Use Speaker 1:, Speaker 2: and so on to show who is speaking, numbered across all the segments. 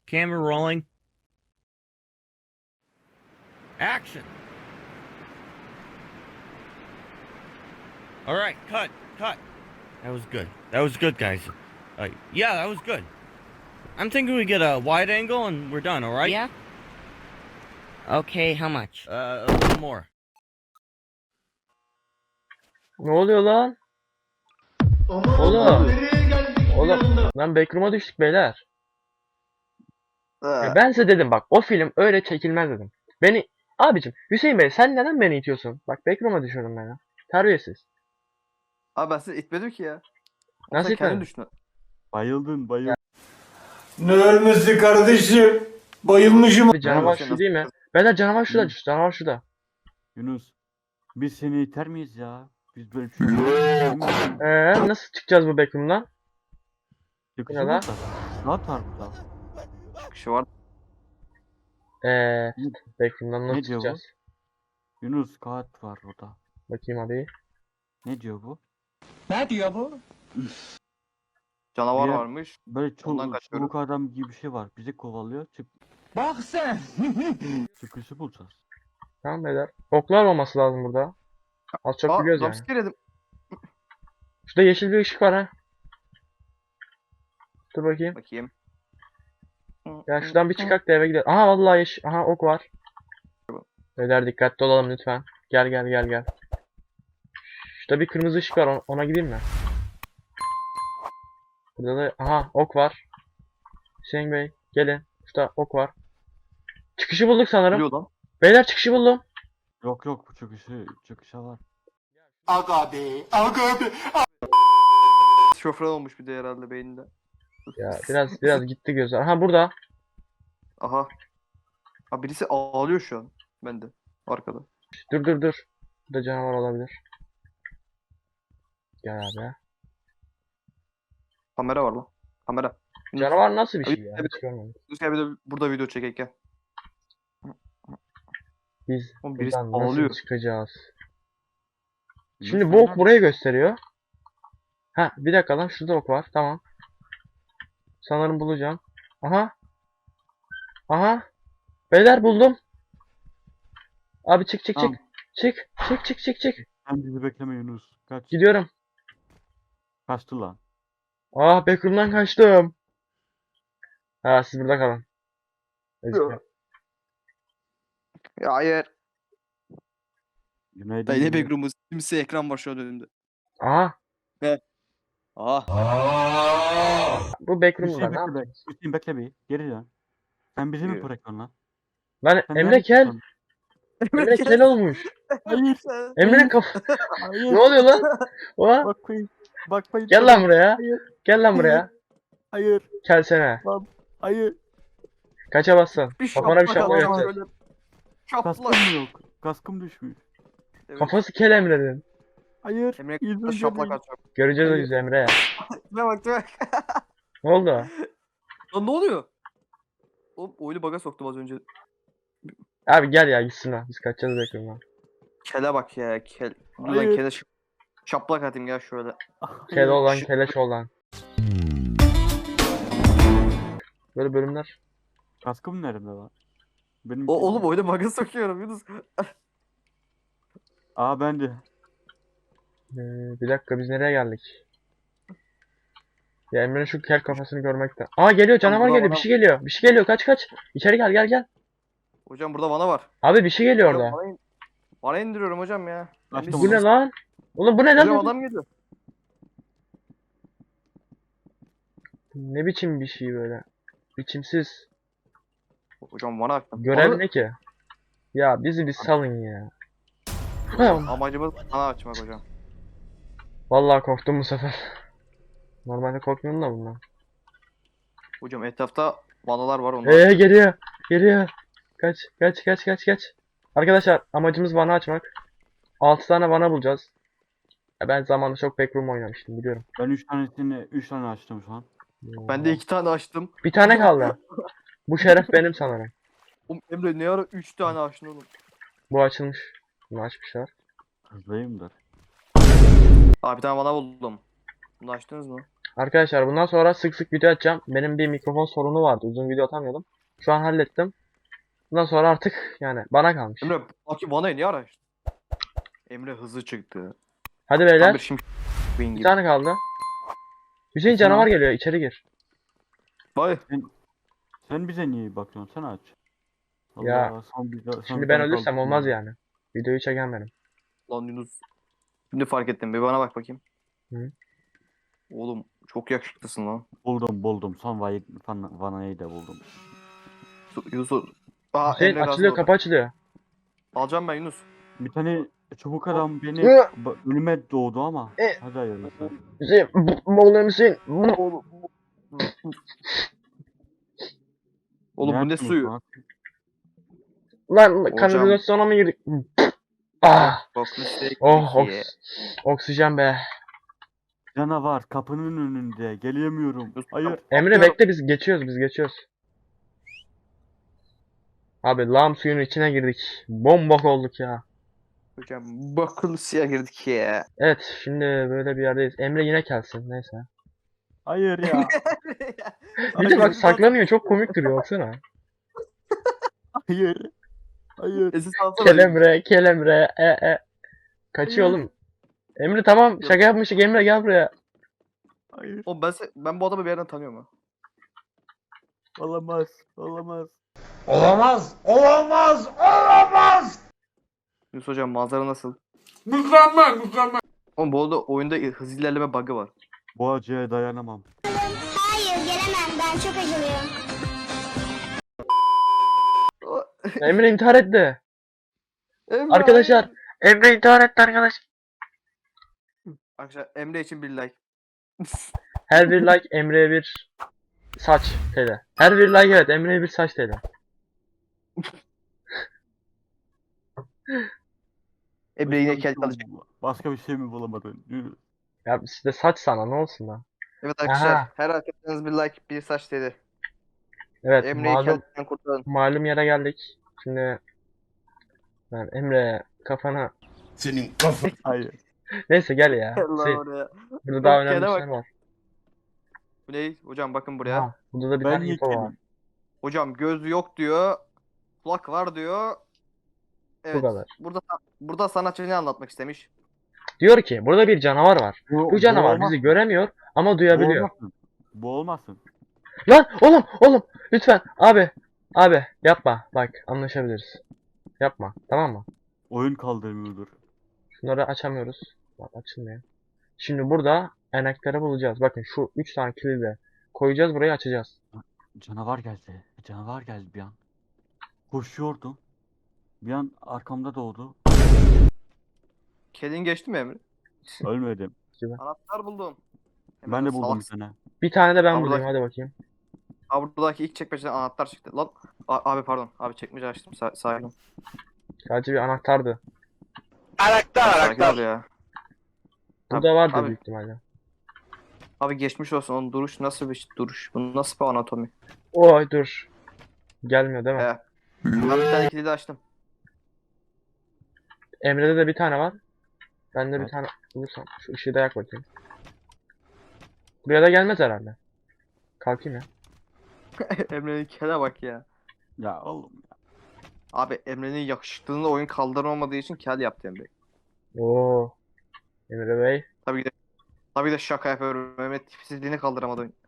Speaker 1: Camera rolling. Action. All right, cut. That was good. That was good, guys. Yeah, that was good. I'm thinking we get a wide angle and we're done, all right?
Speaker 2: Yeah. Okay, how much?
Speaker 1: A little more.
Speaker 3: Ne oluyor lan? Oğlum lan backroom'a düştük beyler. Ya ben size dedim bak o film öyle çekilmez dedim. Abicim Hüseyin Bey sen neden beni itiyorsun? Bak backroom'a düşüyorum ben ya. Terbiyesiz.
Speaker 4: Abi ben sizi itmedim ki ya.
Speaker 3: Nasıl
Speaker 4: Sen kendin
Speaker 3: itmedin?
Speaker 4: düştün.
Speaker 5: Bayıldın.
Speaker 6: Ne ölmesi kardeşim? Bayılmışım.
Speaker 3: Bir canavar
Speaker 4: Sen
Speaker 3: şu
Speaker 4: nasıl-
Speaker 3: değil mi? Beyler canavar şurada. Canavar şurada.
Speaker 5: Yunus. Biz seni iter miyiz ya? Biz böyle bir
Speaker 3: Nasıl çıkacağız bu backroom'dan?
Speaker 5: Çıkışı
Speaker 3: Ne lan?
Speaker 5: burada. Sağ tarafta.
Speaker 4: Çıkışı var.
Speaker 3: Backroom'dan nasıl
Speaker 5: Ne diyor bu?
Speaker 3: çıkacağız?
Speaker 5: Yunus kağıt var orada.
Speaker 3: Bakayım abi.
Speaker 5: Ne diyor bu?
Speaker 6: Ne diyor bu?
Speaker 4: Canavar
Speaker 5: Bir-
Speaker 4: varmış.
Speaker 5: Böyle
Speaker 4: Ondan kaçıyoruz.
Speaker 5: çubuk adam gibi bir şey var. Bizi kovalıyor.
Speaker 6: Bak sen.
Speaker 5: Çıkışı bulacağız.
Speaker 3: Tamam beyler. Oklar olması lazım burada. Az çok biliyoruz yani.
Speaker 4: jumpscare yedim.
Speaker 3: Şurada yeşil bir ışık var ha. Dur bakayım.
Speaker 4: Bakayım.
Speaker 3: Ya şuradan bir çıkak da eve gidelim. Aha vallahi yeşil. Aha ok var. Beyler dikkatli olalım lütfen. Gel. Şurada bir kırmızı ışık var. Ona gideyim mi? Burada da aha ok var. Hüseyin Bey gelin. Şurada ok var. Çıkışı bulduk sanırım.
Speaker 4: Biliyor lan.
Speaker 3: Beyler çıkışı buldum.
Speaker 5: Yok bu çıkışa var.
Speaker 6: Aga be.
Speaker 4: Şoför olmuş bir de herhalde beyninde.
Speaker 3: Ya biraz gitti gözler. Aha burada.
Speaker 4: Aha. Abi birisi ağlıyor şu an. Bende. Arkada.
Speaker 3: Dur. Burada canavar olabilir. Gel abi.
Speaker 4: Kamera var lan. Kamera.
Speaker 3: Canavar nasıl bir şey
Speaker 4: Abi,
Speaker 3: ya?
Speaker 4: evet.
Speaker 3: Hiç görmedim.
Speaker 4: Yunus gel bir de burada video çekek gel.
Speaker 3: Biz
Speaker 4: Oğlum birisi
Speaker 3: buradan nasıl
Speaker 4: ağlıyor.
Speaker 3: çıkacağız?
Speaker 5: Yunus
Speaker 3: Şimdi bu
Speaker 5: nereden-
Speaker 3: ok burayı gösteriyor. Ha bir dakika lan şurada ok var. Tamam. Sanırım bulacağım. Aha. Beyler buldum. Abi çık.
Speaker 5: Tamam.
Speaker 3: Çık.
Speaker 5: Sen bizi bekleme Yunus. Kaç.
Speaker 3: Gidiyorum.
Speaker 5: Kaçtı lan.
Speaker 3: Backroom'dan kaçtım. Ha siz burada kalın.
Speaker 4: Yok. Ya hayır.
Speaker 5: Günaydın.
Speaker 4: Dayı ne
Speaker 5: Yunus.
Speaker 4: backroom'u? Simsiyah ekran var şu an önümde.
Speaker 3: Aha. Bu backroom'da ne yapayım?
Speaker 5: Hüseyin bekle bir. Geri dön. Sen bizi mi
Speaker 4: Yürü.
Speaker 5: bırakıyorsun lan?
Speaker 3: Lan
Speaker 5: Sen
Speaker 3: Emre
Speaker 5: nerede
Speaker 3: kel.
Speaker 5: çıktın?
Speaker 3: Emre kel olmuş.
Speaker 5: Hayır.
Speaker 3: Emre kaf.
Speaker 5: Hayır.
Speaker 3: Ne oluyor lan? Oha.
Speaker 5: Bakmayın. Bakmayın.
Speaker 3: Gel lan buraya.
Speaker 5: Hayır.
Speaker 3: Gel lan buraya.
Speaker 5: Hayır.
Speaker 3: Kelsene.
Speaker 5: Hayır.
Speaker 3: Kaça bassın?
Speaker 4: Bir
Speaker 3: Kafana bir
Speaker 4: şaplak
Speaker 3: şaplak
Speaker 4: alacağım
Speaker 3: atacağız.
Speaker 4: böyle.
Speaker 5: Kaskım
Speaker 4: Şaplak.
Speaker 5: yok. Kaskım düşmüş.
Speaker 4: Evet.
Speaker 3: Kafası kel Emre'nin.
Speaker 5: Hayır.
Speaker 4: Emre
Speaker 5: yüzüm
Speaker 4: şaplak
Speaker 5: göreyim.
Speaker 4: atacağım.
Speaker 3: Göreceğiz o
Speaker 4: Hayır.
Speaker 3: yüzü Emre.
Speaker 4: Tipe bak.
Speaker 3: Ne oldu?
Speaker 4: Lan ne oluyor? Oğlum oyunu baga soktum az önce.
Speaker 3: Abi gel ya gitsin lan. Biz kaçacağız backroom'dan.
Speaker 4: Kele bak ya kel. Dur lan
Speaker 5: Hayır.
Speaker 4: kele şaplak atayım gel şöyle.
Speaker 3: Kel olan
Speaker 4: Şık.
Speaker 3: keleş olan. Böyle bölümler.
Speaker 5: Kaskım nerede lan? Benim
Speaker 4: Oğlum oyunu baga sokuyorum Yunus.
Speaker 5: bende.
Speaker 3: Bir dakika biz nereye geldik? Ya Emre'nin şu kel kafasını görmekte. Geliyor canavar
Speaker 4: burada
Speaker 3: geliyor.
Speaker 4: bana-
Speaker 3: Bir şey geliyor. Bir şey geliyor. Kaç. İçeri gel.
Speaker 4: Hocam burada vana var.
Speaker 3: Abi bir şey geliyor
Speaker 4: Hocam,
Speaker 3: orada.
Speaker 4: Vana indiriyorum hocam ya.
Speaker 5: Açtım
Speaker 4: Biz-
Speaker 3: Bu ne lan? Oğlum bu ne
Speaker 4: Hocam
Speaker 3: lan?
Speaker 4: adam geliyor.
Speaker 3: Ne biçim bir şey böyle? Biçimsiz.
Speaker 4: Hocam vana açtım.
Speaker 3: Görev ne ki? Ya bizi bir salın ya.
Speaker 4: Amacımız vana açmak hocam.
Speaker 3: Vallahi korktum bu sefer. Normalde korkmuyorum da bundan.
Speaker 4: Hocam etrafta vanalar var onlar.
Speaker 3: Geliyor. Kaç. Arkadaşlar amacımız vana açmak. 6 tane vana bulacağız. Ya ben zamanında çok backroom oynamıştım biliyorum.
Speaker 5: Ben 3 tane açtım şu an.
Speaker 4: Ben de 2 tane açtım.
Speaker 3: Bir tane kaldı. Bu şeref benim sanırım.
Speaker 4: Oğlum Emre ne ara 3 tane açtın oğlum.
Speaker 3: Bu açılmış. Bunu açmışlar.
Speaker 5: Hızlıyımdır.
Speaker 4: Abi bir tane vana buldum. Bunu açtınız mı?
Speaker 3: Arkadaşlar bundan sonra sık sık video atacağım. Benim bir mikrofon sorunu vardı. Uzun video atamıyordum. Şu an hallettim. Bundan sonra artık yani bana kalmış.
Speaker 4: Emre bakayım vanayı niye araştırdın? Emre hızlı çıktı.
Speaker 3: Hadi
Speaker 4: Tam bir
Speaker 3: beyler.
Speaker 4: şimdi Queen
Speaker 3: Bir
Speaker 4: gibi.
Speaker 3: tane kaldı. Hüseyin
Speaker 5: Tamam.
Speaker 3: canavar geliyor. İçeri gir.
Speaker 4: Vay.
Speaker 5: Sen bize niye bakıyorsun? Sen aç.
Speaker 3: Ya,
Speaker 5: son
Speaker 3: Şimdi
Speaker 5: bir
Speaker 3: ben
Speaker 5: tane
Speaker 3: ölürsem
Speaker 5: kaldı.
Speaker 3: olmaz yani. Videoyu çeken benim.
Speaker 4: Lan Yunus. Şimdi fark ettim. Bir bana bak bakayım.
Speaker 3: Hı.
Speaker 4: Oğlum çok yakışıklısın lan.
Speaker 5: Buldum. Son vanayı da buldum.
Speaker 4: Yunus. Aa
Speaker 3: Hüseyin
Speaker 4: Emre
Speaker 3: açılıyor,
Speaker 4: gazlı.
Speaker 3: kapı açılıyor.
Speaker 4: Alacağım ben Yunus.
Speaker 5: Bir tane çubuk adam beni
Speaker 3: Hı.
Speaker 5: ölüme doğdu ama.
Speaker 3: E.
Speaker 5: Hadi hayırlısı.
Speaker 3: Hüseyin, Moğol Hüseyin.
Speaker 4: Oğlum. Oğlum bu ne
Speaker 5: yaptınız
Speaker 4: suyu?
Speaker 5: lan?
Speaker 3: Lan
Speaker 4: Hocam.
Speaker 3: kanalizasyona mı girdik? Ah.
Speaker 4: Bak listeye
Speaker 3: Oh,
Speaker 4: girdik
Speaker 3: oksijen be.
Speaker 5: Canavar kapının önünde. Gelemiyorum.
Speaker 4: Yunus,
Speaker 5: Hayır.
Speaker 3: Emre bekle, biz geçiyoruz. Abi lağım suyunun içine girdik. Bombok olduk ya.
Speaker 4: Hocam bak listeye girdik ya.
Speaker 3: Evet, şimdi böyle bir yerdeyiz. Emre yine gelsin, neyse.
Speaker 5: Hayır ya.
Speaker 3: Bir de bak saklanıyor, çok komik duruyor baksana.
Speaker 5: Hayır. Hayır.
Speaker 4: Esin alsana.
Speaker 3: Kelemre. Kaçıyor oğlum. Emre tamam, şaka yapmıştık. Emre gel buraya.
Speaker 5: Hayır.
Speaker 4: Oğlum ben bu adamı bir yerden tanıyorum ha.
Speaker 5: Olamaz.
Speaker 6: Olamaz.
Speaker 4: Yunus hocam manzara nasıl?
Speaker 6: Mükemmel.
Speaker 4: Oğlum bu arada oyunda hız ilerleme bug'ı var.
Speaker 5: Bu acıya dayanamam.
Speaker 7: Hayır gelemem ben çok acılıyım.
Speaker 3: Emre intihar etti.
Speaker 4: Emre,
Speaker 3: Arkadaşlar,
Speaker 4: hayır.
Speaker 3: Emre intihar etti arkadaş.
Speaker 4: Arkadaşlar Emre için bir like.
Speaker 3: Her bir like Emre'ye bir saç TL. Her bir like evet Emre'ye bir saç TL.
Speaker 4: Emre yine kel kalacak.
Speaker 5: Başka bir şey mi bulamadın? Yürü.
Speaker 3: Ya işte saç sana ne olsun lan.
Speaker 4: Evet arkadaşlar
Speaker 3: Aha.
Speaker 4: her arkadaşınız bir like bir saç dedi.
Speaker 3: Evet
Speaker 4: Emre'yi kelden kurtarın.
Speaker 3: malum yere geldik. Şimdi ben Emre kafana
Speaker 6: Senin kafan.
Speaker 5: Hayır.
Speaker 3: neyse gel ya.
Speaker 4: Allah
Speaker 3: Şey,
Speaker 4: oraya.
Speaker 3: burada daha
Speaker 4: Yok,
Speaker 3: önemli
Speaker 4: gene
Speaker 3: işler
Speaker 4: bak.
Speaker 3: var.
Speaker 4: Bu ne? Hocam bakın buraya.
Speaker 3: Ha, burada da bir
Speaker 5: Ben
Speaker 3: tane info var.
Speaker 5: yekelim.
Speaker 4: Hocam göz yok diyor. Kulak var diyor. Evet.
Speaker 3: kadar.
Speaker 4: Burada sanatçı ne anlatmak istemiş?
Speaker 3: Diyor ki burada bir canavar var. Bu canavar
Speaker 5: olmaz.
Speaker 3: bizi göremiyor ama
Speaker 5: Bu
Speaker 3: duyabiliyor.
Speaker 5: olmasın. Bu olmasın.
Speaker 3: Lan oğlum lütfen abi yapma bak anlaşabiliriz. Yapma tamam mı?
Speaker 5: Oyun kaldırmıyordur.
Speaker 3: Şunları açamıyoruz. Bak açılmıyor. Şimdi burada enekleri bulacağız. Bakın şu 3 tane kilidi koyacağız burayı açacağız.
Speaker 5: Canavar geldi. Canavar geldi bir an. Koşuyordum. Bir an arkamda doğdu.
Speaker 4: Kedin geçti mi Emre?
Speaker 5: Ölmedim.
Speaker 4: Anahtar buldum.
Speaker 5: Ben de buldum bir
Speaker 4: salaksın.
Speaker 5: tane.
Speaker 3: Bir tane de ben
Speaker 4: Abi
Speaker 3: bulayım
Speaker 4: bak-
Speaker 3: hadi bakayım.
Speaker 4: Abi buradaki ilk çekmeceden anahtar çıktı. Lan abi pardon. Abi çekmece açtım. Sakin ol.
Speaker 3: Sadece bir anahtardı.
Speaker 4: Sakin ol ya.
Speaker 3: Burada vardı
Speaker 4: abi.
Speaker 3: büyük ihtimalle.
Speaker 4: Abi geçmiş olsun. Onun duruş nasıl bir duruş? Bu nasıl bir anatomi?
Speaker 3: Oy dur. Gelmiyor değil mi?
Speaker 4: He. Ben bir tane kilidi açtım.
Speaker 3: Emre'de de bir tane var. Ben de bir
Speaker 5: Evet.
Speaker 3: tane bulursam. Şu ışığı da yak bakayım. Buraya da gelmez herhalde. Kalkayım ya.
Speaker 4: Emre'nin kele bak ya.
Speaker 5: Ya oğlum.
Speaker 4: Abi Emre'nin yakışıklılığında oyun kaldıramadığı için kel yaptı Emre.
Speaker 3: Oo. Emre Bey.
Speaker 4: Tabii de şaka yapıyorum. Mehmet tipsizliğini kaldıramadı oyun.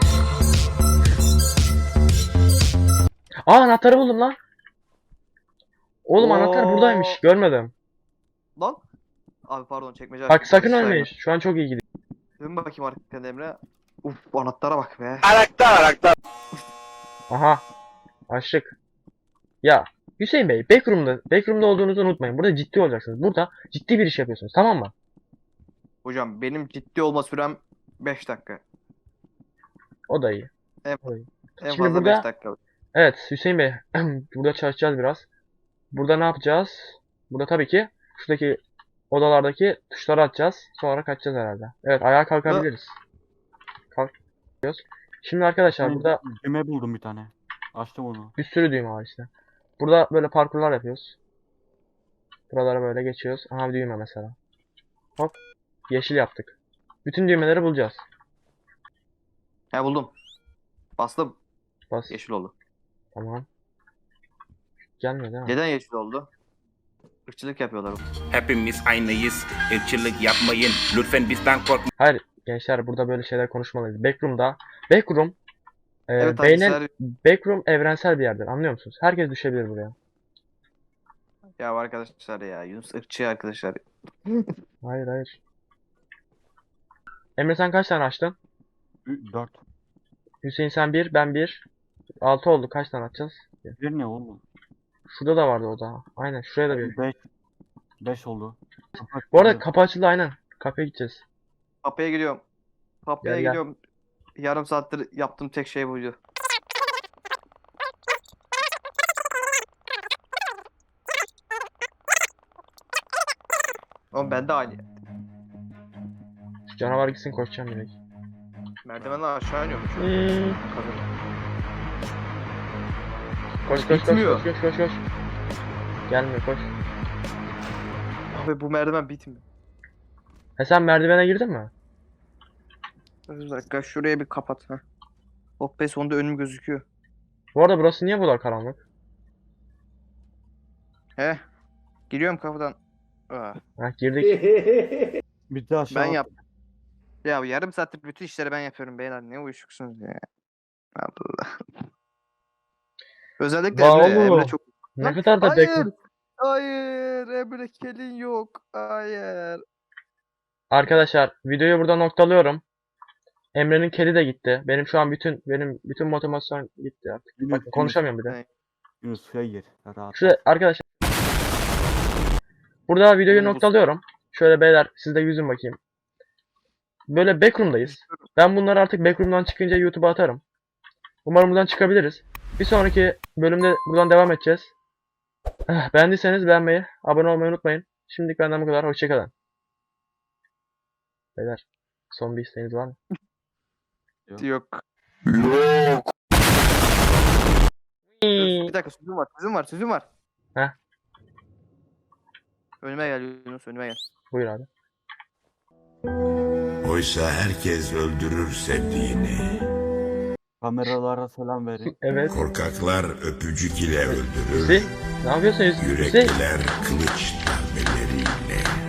Speaker 3: Aa anahtarı buldum lan. Oğlum anahtar
Speaker 4: Oo.
Speaker 3: buradaymış. Görmedim.
Speaker 4: Lan. Abi pardon çekmece
Speaker 3: Bak
Speaker 4: açtım.
Speaker 3: sakın
Speaker 4: Saygı.
Speaker 3: ölmeyin. Şu an çok iyi gidiyor.
Speaker 4: Dön bakayım arkadaşlar Emre. Uf anahtara bak be.
Speaker 3: Aha. Açtık. Ya Hüseyin Bey, backroom'da olduğunuzu unutmayın. Burada ciddi olacaksınız. Burada ciddi bir iş yapıyorsunuz. Tamam mı?
Speaker 4: Hocam benim ciddi olma sürem 5 dakika.
Speaker 3: O da iyi.
Speaker 4: En
Speaker 3: Şimdi
Speaker 4: fazla
Speaker 3: burada-
Speaker 4: 5 dakika.
Speaker 3: Evet Hüseyin Bey. Burada çalışacağız biraz. Burada ne yapacağız? Burada tabii ki şuradaki odalardaki tuşları atacağız. Sonra kaçacağız herhalde. Evet ayağa kalkabiliriz. Kalkıyoruz. Şimdi arkadaşlar burada
Speaker 5: Düğme buldum bir tane. Açtım onu.
Speaker 3: bir sürü düğme var işte. Burada böyle parkurlar yapıyoruz. Buralara böyle geçiyoruz. Aha bir düğme mesela. Hop. Yeşil yaptık. Bütün düğmeleri bulacağız.
Speaker 4: He buldum. Bastım.
Speaker 3: Bas.
Speaker 4: Yeşil oldu.
Speaker 3: Tamam. Gelmiyor değil mi?
Speaker 4: Neden yeşil oldu? Irkçılık yapıyorlar.
Speaker 8: Hepimiz aynıyız. Irkçılık yapmayın. Lütfen bizden korkmayın.
Speaker 3: Hayır gençler, burada böyle şeyler konuşmalıyız. Backroom'da. Backroom.
Speaker 4: Evet
Speaker 3: Beynen,
Speaker 4: arkadaşlar.
Speaker 3: Backroom evrensel bir yerdir. Anlıyor musunuz? Herkes düşebilir buraya.
Speaker 4: Ya arkadaşlar ya. Yunus ırkçı arkadaşlar.
Speaker 3: Hayır hayır. Emre sen kaç tane açtın?
Speaker 5: 4.
Speaker 3: Hüseyin sen 1, ben 1. 6 oldu. Kaç tane açacağız?
Speaker 5: Bir ne oğlum?
Speaker 3: Şurada da vardı o da. Aynen şuraya da bir.
Speaker 5: 5. 5 oldu.
Speaker 3: Bu arada kapı açıldı aynen. Kapıya gideceğiz.
Speaker 4: Kapıya gidiyorum. Kapıya
Speaker 3: Gel, gel.
Speaker 4: gidiyorum. Yarım saattir yaptığım tek şey buydu. Oğlum ben de aynı.
Speaker 3: Şu canavar gitsin, koşacağım direkt.
Speaker 4: Merdivenle aşağı iniyormuş. Kadın.
Speaker 3: Koş koş koş
Speaker 4: Bitmiyor.
Speaker 3: koş koş koş koş. Gelmiyor, koş.
Speaker 4: Abi bu merdiven bitmiyor.
Speaker 3: He sen merdivene girdin mi?
Speaker 4: Bir dakika şuraya bir kapat. Ha. Oh be sonunda önüm gözüküyor.
Speaker 3: Bu arada burası niye bu kadar karanlık?
Speaker 4: He. Giriyorum kapıdan. Ah,
Speaker 3: Heh girdik.
Speaker 5: Bir de aşağı.
Speaker 4: ben yaptım. Ya yarım saattir bütün işleri ben yapıyorum beyler. Ne uyuşuksunuz ya. Allah. Özellikle
Speaker 3: Vay
Speaker 4: Emre,
Speaker 3: oğlum.
Speaker 4: Emre çok...
Speaker 3: Ne kadar da
Speaker 4: Hayır.
Speaker 3: bekle.
Speaker 4: Hayır. Emre kelin yok. Hayır.
Speaker 3: Arkadaşlar videoyu burada noktalıyorum. Emre'nin kedi de gitti. Benim şu an bütün motivasyon gitti artık.
Speaker 5: Yunus,
Speaker 3: Bakın konuşamıyorum bir de.
Speaker 4: Evet.
Speaker 5: Yunus suya gir. Rahat.
Speaker 3: Şurada arkadaşlar. Burada videoyu
Speaker 4: Bunu bu-
Speaker 3: noktalıyorum. Şöyle beyler siz de yüzün bakayım. Böyle backroom'dayız. Ben bunları artık backroom'dan çıkınca YouTube'a atarım. Umarım buradan çıkabiliriz. Bir sonraki bölümde buradan devam edeceğiz. Beğendiyseniz beğenmeyi, abone olmayı unutmayın. Şimdilik benden bu kadar. Hoşçakalın. Beyler son bir isteğiniz var mı?
Speaker 4: Yok. Bir dakika sözüm var.
Speaker 3: Heh.
Speaker 4: Önüme gel Yunus önüme gel.
Speaker 3: Buyur abi.
Speaker 6: Oysa herkes öldürür sevdiğini.
Speaker 5: Kameralara selam verin.
Speaker 3: Evet.
Speaker 6: Korkaklar öpücük ile öldürür.
Speaker 3: Hüseyin ne yapıyorsun Hüseyin?
Speaker 6: Yürekliler kılıç darbeleriyle.